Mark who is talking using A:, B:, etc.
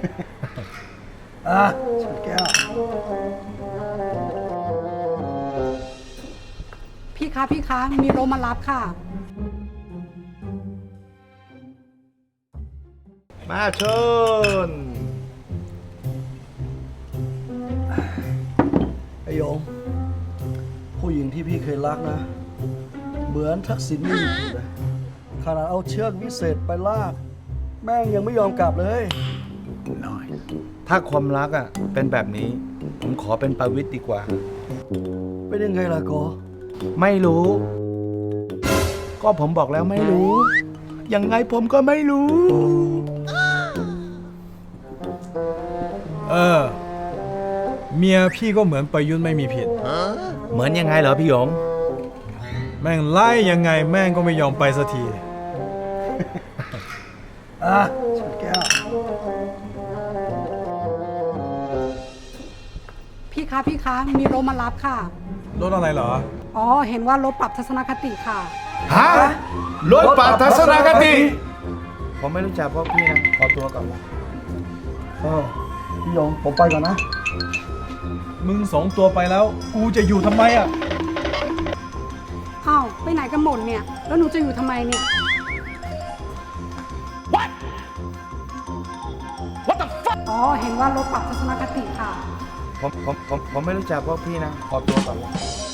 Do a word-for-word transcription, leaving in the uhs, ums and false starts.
A: อ่ะชนแก้ว
B: พี่คะพี่คะมีรถมารับค่ะ
C: มาชน
A: ไอ้หยงผู้หญิงที่พี่เคยรักนะ เหมือนทักษิณไม่มีผิดเลยขนาดเอาเชือกวิเศษไปลาก แม่งยังไม่ยอมกลับเลย
C: น้อย ถ้าความรักอ่ะเป็นแบบนี้ ผมขอเป็นประวิตรดีกว่า
A: เป็นยังไงล่ะโก
C: ไม่รู้ ก็ผมบอกแล้วไม่รู้ ยังไงผมก็ไม่รู้
D: เออ เมียพี่ก็เหมือนประยุทธ์ไม่มีผิด
C: เหมือนยังไงเหรอพี่หยง
D: แม่งไล่ยังไงแม่งก็ไม่ยอมไปสักที
A: อ่ะชนแก้ว
B: พี่คะพี่คะมีรถมารับค่ะ
D: รถอะไรเหรอ
B: อ๋อเห็นว่ารถปรับทัศนคติค่ะ
C: ฮะรถปรับทัศนคติ ผมไม่รู้จักพวกพี่นะ ขอตัวก่อน
A: เออพี่หยงผมไปก่อนนะ
D: มึงสองตัวไปแล้ว กูจะอยู่ทำไมอ่ะ
B: อ้าวไปไหนกันหมดเนี่ยแล้วหนูจะอยู่ทำไมเนี่ย อ๋อเห็นว่ารถปรับทัศนคติค่ะ
C: ผมผมผมผมไม่รู้จักพวกพี่นะ ขอตัวก่อน